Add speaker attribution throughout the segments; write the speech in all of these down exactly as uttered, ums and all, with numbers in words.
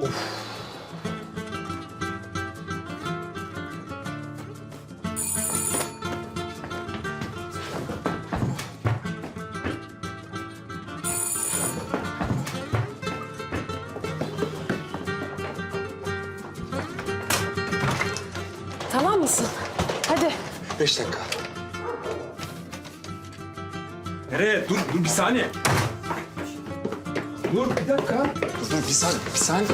Speaker 1: Tamam mısın? Hadi.
Speaker 2: Beş dakika.
Speaker 3: Nereye? Dur, dur bir saniye. Dur bir dakika.
Speaker 2: Dur, dur bir saniye, bir saniye.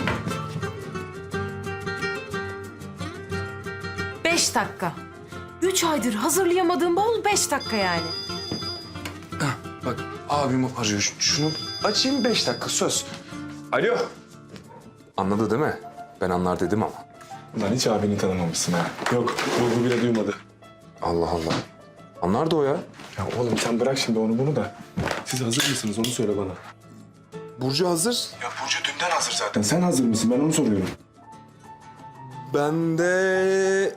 Speaker 1: Beş dakika. Üç aydır hazırlayamadığım bol beş dakika yani.
Speaker 2: Hah, bak abim arıyor. Ş- Şunu açayım beş dakika söz. Alo. Anladı değil mi? Ben anlar dedim ama.
Speaker 4: Lan hiç abini tanımamışsın ha. Yok, ruhu bile duymadı.
Speaker 2: Allah Allah. Anlar da o ya.
Speaker 4: Ya oğlum sen bırak şimdi onu bunu da. Siz hazır mısınız onu söyle bana.
Speaker 2: Burcu hazır.
Speaker 4: Ya Burcu dünden hazır zaten. Sen hazır mısın? Ben onu soruyorum.
Speaker 2: Ben de...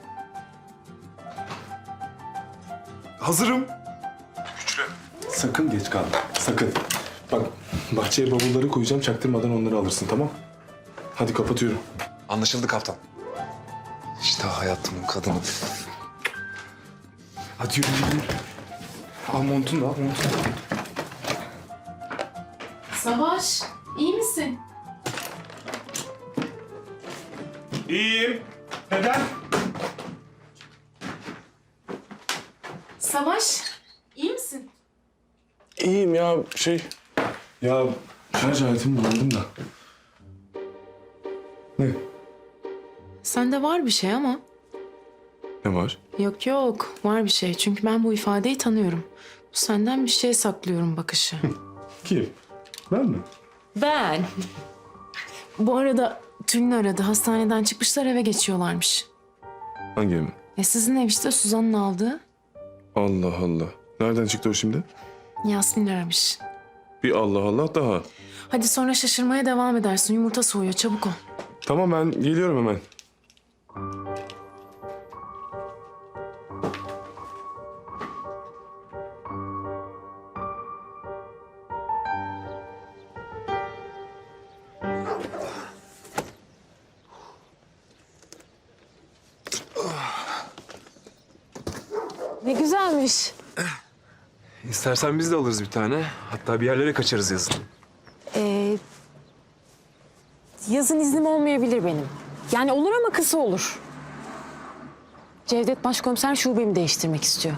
Speaker 2: Hazırım.
Speaker 4: Sakın geç kalma. Sakın. Bak bahçeye bavulları koyacağım. Çaktırmadan onları alırsın tamam? Hadi kapatıyorum.
Speaker 2: Anlaşıldı kaptan. İşte hayatımın kadını. Hadi yürü yürü. Al montunu da al montunu da.
Speaker 1: Savaş, iyi misin?
Speaker 4: İyiyim. Neden?
Speaker 1: Savaş, iyi misin?
Speaker 4: İyiyim ya şey... Ya şarj aletimi kullandım da. Ne?
Speaker 5: Sende var bir şey ama.
Speaker 4: Ne var?
Speaker 5: Yok yok, var bir şey. Çünkü ben bu ifadeyi tanıyorum. Bu senden bir şey saklıyorum bakışı.
Speaker 4: Kim? Ben mi?
Speaker 5: Ben. Bu arada Tülin aradı. Hastaneden çıkmışlar, eve geçiyorlarmış.
Speaker 4: Hangi mi?
Speaker 5: E sizin ev işte, Suzan'ın aldığı.
Speaker 4: Allah Allah. Nereden çıktı o şimdi?
Speaker 5: Yasmin aramış.
Speaker 4: Bir Allah Allah daha.
Speaker 5: Hadi sonra şaşırmaya devam edersin. Yumurta soğuyor, çabuk ol.
Speaker 4: Tamam ben geliyorum hemen.
Speaker 1: Ne güzelmiş.
Speaker 3: İstersen biz de alırız bir tane. Hatta bir yerlere kaçarız yazın.
Speaker 1: Ee, yazın iznim olmayabilir benim. Yani olur ama kısa olur. Cevdet Başkomiser şubemi değiştirmek istiyor.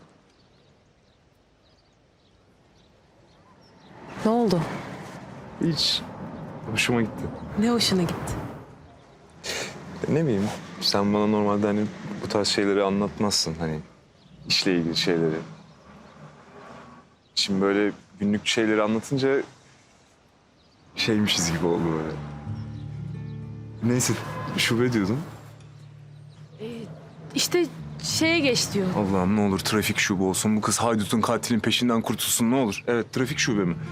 Speaker 1: Ne oldu?
Speaker 3: Hiç. Hoşuma gitti.
Speaker 5: Ne hoşuna gitti.
Speaker 3: Ne bileyim, sen bana normalde hani bu tarz şeyleri anlatmazsın. Hani işle ilgili şeyleri. Şimdi böyle günlük şeyleri anlatınca şeymişiz gibi oldu böyle. Neyse, şube diyordun.
Speaker 5: İşte şeye geç diyor.
Speaker 3: Allah'ım ne olur trafik şube olsun. Bu kız haydutun katilin peşinden kurtulsun ne olur. Evet, trafik şube mi?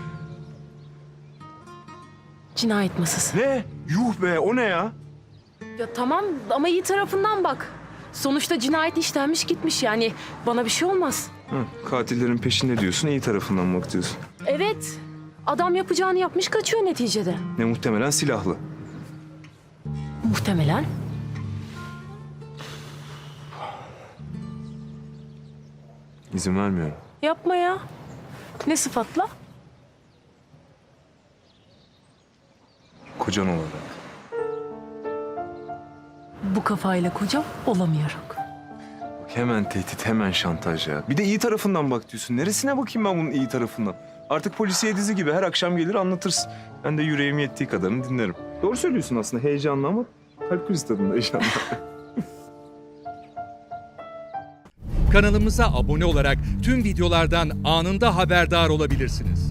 Speaker 5: Cinayet masası.
Speaker 3: Ne? Yuh be, o ne ya?
Speaker 5: Ya tamam ama iyi tarafından bak. Sonuçta cinayet işlenmiş gitmiş, yani bana bir şey olmaz.
Speaker 3: Hı, katillerin peşinde diyorsun, iyi tarafından bak diyorsun.
Speaker 5: Evet. Adam yapacağını yapmış, kaçıyor neticede.
Speaker 3: Ne muhtemelen silahlı.
Speaker 5: Muhtemelen.
Speaker 3: İzin vermiyorum.
Speaker 5: Yapma ya. Ne sıfatla?
Speaker 3: Kocan olarak.
Speaker 5: Bu kafayla kocam olamıyorum.
Speaker 3: Bak hemen tehdit, hemen şantaj ya. Bir de iyi tarafından bak diyorsun. Neresine bakayım ben bunun iyi tarafından? Artık polisiye dizi gibi her akşam gelir anlatırsın. Ben de yüreğim yettiği kadarını dinlerim. Doğru söylüyorsun aslında, heyecanlı ama kalp krizi tadında heyecanlı.
Speaker 6: Kanalımıza abone olarak tüm videolardan anında haberdar olabilirsiniz.